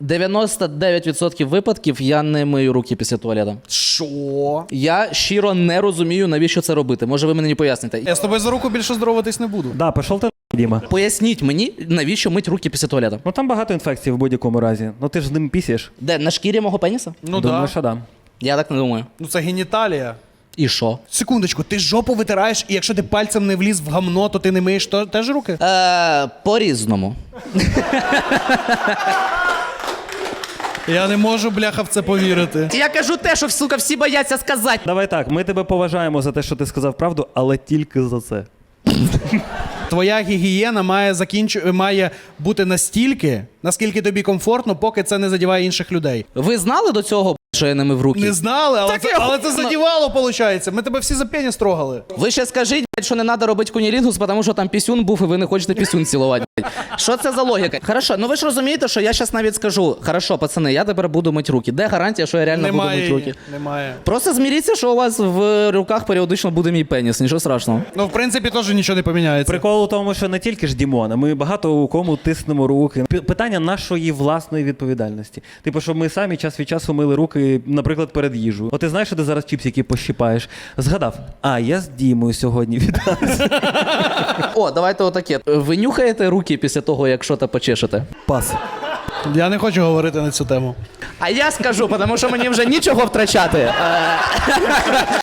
99% випадків я не мию руки після туалету. Що? Я щиро не розумію, навіщо це робити. Може, ви мені поясните. Я з тобою за руку більше здороватись не буду. Да, пішов ти Діма. Поясніть мені, навіщо мить руки після туалету. Ну там багато інфекцій в будь-якому разі. Ну ти ж з ним пісєш. Де, на шкірі мого пеніса? Ну Думаю, да. що да. Я так не думаю. Ну це геніталія. І що? Секундочку, ти жопу витираєш, і якщо ти пальцем не вліз в гамно, то ти не миєш теж руки? По-різному. Я не можу, бляха, в це повірити. Я кажу те, що, сука, всі бояться сказати. Давай так, ми тебе поважаємо за те, що ти сказав правду, але тільки за це. Твоя гігієна має бути настільки, наскільки тобі комфортно, поки це не задіває інших людей. Ви знали до цього, що я не мив руки? Не знали, але це охуєнно. задівало, виходить. Ми тебе всі за пені строгали. Ви ще скажіть, що не треба робити кунілінгус, тому що там пісюн був, і ви не хочете пісюн цілувати. Що це за логіка? Хорошо, ну ви ж розумієте, що я зараз навіть скажу, хорошо, пацани, я тепер буду мити руки. Де гарантія, що я реально буду мити руки? Немає. Просто зміріться, що у вас в руках періодично буде мій пеніс, нічого страшного. Ну, в принципі, теж нічого не поміняється. Прикол у тому, що не тільки ж Дімона, ми багато у кому тиснемо руки. Питання нашої власної відповідальності. Типу, щоб ми самі час від часу мили руки, наприклад, перед їжею. От ти знаєш, що ти зараз чіпсики пощипаєш? Згадав, я з Дімою сьогодні віддався. О, давайте отаке. Ви нюхаєте руки після того, як що-то почешете? Пас. Я не хочу говорити на цю тему. А я скажу, тому що мені вже нічого втрачати.